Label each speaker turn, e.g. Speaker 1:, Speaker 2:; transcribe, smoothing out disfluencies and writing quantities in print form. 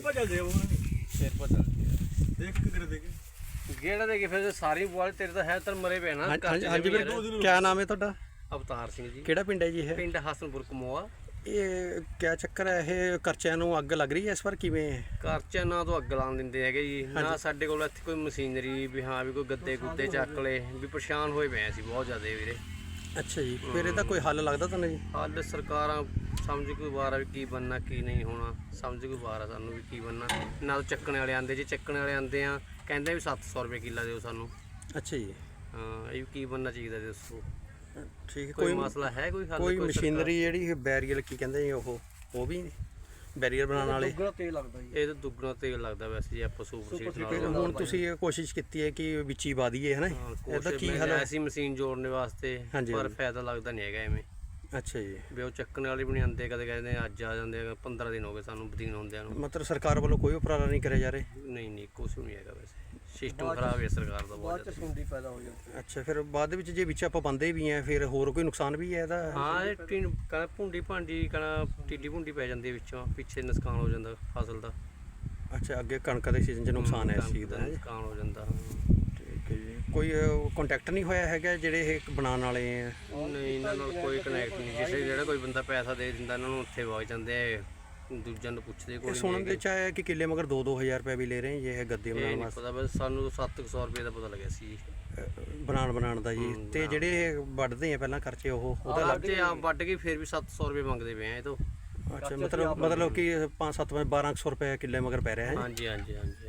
Speaker 1: ਭਜਦੇ ਉਹ
Speaker 2: ਫਿਰ ਪਤਾ
Speaker 1: ਦੇਖ ਕੇ ਕਰ ਦੇਗੇ
Speaker 2: ਗੇੜਾ ਦੇ ਕੇ ਫਿਰ ਸਾਰੀ ਬੁਆਲ ਤੇਰੇ ਤਾਂ ਹੈ ਤਾਂ ਮਰੇ ਪਏ ਨਾ।
Speaker 3: ਹਾਂਜੀ ਵੀਰ, ਕਿਆ ਨਾਮ ਹੈ ਤੁਹਾਡਾ?
Speaker 2: ਅਵਤਾਰ ਸਿੰਘ ਜੀ।
Speaker 3: ਕਿਹੜਾ ਪਿੰਡ ਹੈ ਜੀ ਇਹ?
Speaker 2: ਪਿੰਡ ਹਸਨਪੁਰ ਕਮੋਆ।
Speaker 3: ਇਹ ਕਿਆ ਚੱਕਰ ਹੈ, ਇਹ ਕਰਚਿਆਂ ਨੂੰ ਅੱਗ ਲੱਗ ਰਹੀ ਹੈ ਇਸ ਵਾਰ, ਕਿਵੇਂ ਹੈ?
Speaker 2: ਕਰਚਿਆਂ ਨਾ ਤੋਂ ਅੱਗ ਲਾਉਣ ਦਿੰਦੇ ਹੈਗੇ ਜੀ, ਨਾ ਸਾਡੇ ਕੋਲ ਇੱਥੇ ਕੋਈ ਮਸ਼ੀਨਰੀ ਵੀ ਹਾਂ ਵੀ ਕੋਈ ਗੱਦੇ ਗੁੱਦੇ ਚੱਕ ਲਏ ਵੀ, ਪਰੇਸ਼ਾਨ ਹੋਏ ਪਏ ਅਸੀਂ ਬਹੁਤ ਜ਼ਿਆਦਾ ਵੀਰੇ।
Speaker 3: ਅੱਛਾ ਜੀ, ਫਿਰ ਇਹਦਾ ਕੋਈ ਹੱਲ ਲੱਗਦਾ ਤੁਹਾਨੂੰ ਜੀ?
Speaker 2: ਹੱਲ ਸਰਕਾਰਾਂ ਸਮਝ ਕੋਈ ਵਾਰ ਆ ਵੀ ਕੀ ਬਣਨਾ ਕੀ ਨਹੀਂ ਹੋਣਾ, ਸਮਝ ਕੋਈ ਵਾਰ ਆ ਸਾਨੂੰ ਵੀ ਕੀ ਬਣਨਾ। ਨਾ ਚੱਕਣ ਵਾਲੇ ਆਂਦੇ, ਜੇ ਚੱਕਣ ਵਾਲੇ ਆਂਦੇ ਆ ਕਹਿੰਦੇ ਵੀ 700 ਰੁਪਏ ਕਿੱਲਾ ਦਿਓ ਸਾਨੂੰ।
Speaker 3: ਅੱਛਾ ਜੀ,
Speaker 2: ਹਾਂ ਇਹ ਕੀ ਬਣਨਾ ਚਾਹੀਦਾ ਦੱਸੋ?
Speaker 3: ਠੀਕ ਹੈ।
Speaker 2: ਕੋਈ ਮਸਲਾ ਹੈ ਕੋਈ ਹੱਲ?
Speaker 3: ਕੋਈ ਮਸ਼ੀਨਰੀ ਜਿਹੜੀ ਬੈਰੀਅਰ ਕੀ ਕਹਿੰਦੇ ਜੀ, ਉਹ ਵੀ ਬੈਰੀਅਰ ਬਣਾਉਣ ਵਾਲੇ?
Speaker 1: ਦੁੱਗਣਾ ਤੇਲ ਲੱਗਦਾ ਜੀ।
Speaker 2: ਇਹ ਤਾਂ ਦੁੱਗਣਾ ਤੇਲ ਲੱਗਦਾ ਵੈਸੇ, ਜੇ ਆਪਾਂ ਸੁਪਰ ਸੀਟ
Speaker 3: ਫਿਰ ਹੁਣ ਤੁਸੀਂ ਇਹ ਕੋਸ਼ਿਸ਼ ਕੀਤੀ ਹੈ ਕਿ ਵਿੱਚ ਹੀ ਪਾ ਦਈਏ, ਹੈ ਨਾ? ਇਹਦਾ ਕੀ ਹੱਲ ਹੈ?
Speaker 2: ਐਸੀ ਮਸ਼ੀਨ ਜੋੜਨੇ ਵਾਸਤੇ, ਪਰ ਫਾਇਦਾ ਲੱਗਦਾ ਨਹੀਂ ਹੈਗਾ ਐਵੇਂ।
Speaker 3: ਅੱਛਾ ਜੀ,
Speaker 2: ਵੀ ਉਹ ਚੱਕਣ ਵਾਲੇ ਵੀ ਨਹੀਂ ਆਉਂਦੇ, ਕਦੇ ਕਹਿੰਦੇ ਅੱਜ ਆ ਜਾਂਦੇ, 15 ਦਿਨ ਹੋ ਗਏ ਸਾਨੂੰ ਬਦੀਨ ਹੁੰਦਿਆਂ ਨੂੰ।
Speaker 3: ਮਤਲਬ ਸਰਕਾਰ ਵੱਲੋਂ ਕੋਈ ਉਪਰਾਲਾ ਨਹੀਂ ਕਰਿਆ ਜਾ ਰਿਹਾ?
Speaker 2: ਨਹੀਂ ਕੁਛ ਵੀ ਨਹੀਂ ਹੈਗਾ ਵੈਸੇ, ਸਿਸਟਮ ਖਰਾਬ ਹੈ ਸਰਕਾਰ ਦਾ ਬਹੁਤ ਜ਼ਿਆਦਾ।
Speaker 1: ਸੁੰਡੀ ਪੈਦਾ ਹੋ ਜਾਂਦੀ।
Speaker 3: ਅੱਛਾ, ਫਿਰ ਬਾਅਦ ਦੇ ਵਿੱਚ ਜੇ ਵਿੱਚ ਆਪਾਂ ਪਾਉਂਦੇ ਵੀ ਆ ਫਿਰ ਹੋਰ ਕੋਈ ਨੁਕਸਾਨ ਵੀ ਹੈ ਇਹਦਾ?
Speaker 2: ਹਾਂ ਇਹ ਕਹਿੰਦਾ ਭੁੰਡੀ ਭਾਂਡੀ ਕਹਿੰਦਾ ਟਿੱਡੀ ਭੁੰਡੀ ਪੈ ਜਾਂਦੀ ਹੈ ਵਿੱਚੋਂ, ਪਿੱਛੇ ਨੁਕਸਾਨ ਹੋ ਜਾਂਦਾ ਫਸਲ ਦਾ।
Speaker 3: ਅੱਛਾ, ਅੱਗੇ ਕਣਕ ਦੇ ਸੀਜ਼ਨ 'ਚ ਨੁਕਸਾਨ ਹੈ ਇਸ ਚੀਜ਼ ਦਾ?
Speaker 2: ਨੁਕਸਾਨ ਹੋ ਜਾਂਦਾ।
Speaker 3: ਠੀਕ ਹੈ ਜੀ। ਕੋਈ ਕੰਟੈਕਟ ਨਹੀਂ ਹੋਇਆ ਹੈਗਾ ਜਿਹੜੇ ਇਹ ਬਣਾਉਣ ਵਾਲੇ ਆ?
Speaker 2: ਨਹੀਂ ਇਹਨਾਂ ਨਾਲ ਕੋਈ ਕਨੈਕਟ ਨਹੀਂ, ਜਿਸੇ ਜਿਹੜਾ ਕੋਈ ਬੰਦਾ ਪੈਸਾ ਦੇ ਦਿੰਦਾ ਇਹਨਾਂ ਨੂੰ ਉੱਥੇ ਵਗ ਜਾਂਦੇ ਆ, ਦੂਜਿਆਂ ਨੂੰ ਪੁੱਛਦੇ ਕੋਈ ਨਹੀਂ।
Speaker 3: ਸੁਣਨ ਦੇ ਵਿੱਚ ਆਇਆ ਕਿ ਕਿੱਲੇ ਮਗਰ 2-2000 ਰੁਪਏ ਵੀ ਲੈ ਰਹੇ ਜੀ ਇਹ ਗੱਦੇ ਬਣਾਉਣ ਵਾਸਤੇ?
Speaker 2: ਪਤਾ, ਬਸ ਸਾਨੂੰ 700 ਰੁਪਏ ਦਾ ਪਤਾ ਲੱਗਿਆ ਸੀ ਜੀ
Speaker 3: ਬਣਾਉਣ ਦਾ ਜੀ। ਤੇ ਜਿਹੜੇ ਵੱਢਦੇ ਆ ਪਹਿਲਾਂ ਖਰਚੇ ਉਹਦਾ ਲੱਗ
Speaker 2: ਜੇ ਆ ਵੱਢ ਕੇ ਫਿਰ ਵੀ 700 ਰੁਪਏ ਮੰਗਦੇ ਪਏ ਆ ਇਹ ਤੋਂ।
Speaker 3: ਅੱਛਾ, ਮਤਲਬ ਕਿ 5-7 1200 ਰੁਪਏ ਕਿੱਲੇ ਮਗਰ ਪੈ ਰਿਹਾ ਹੈ?
Speaker 2: ਹਾਂਜੀ ਹਾਂਜੀ ਹਾਂਜੀ।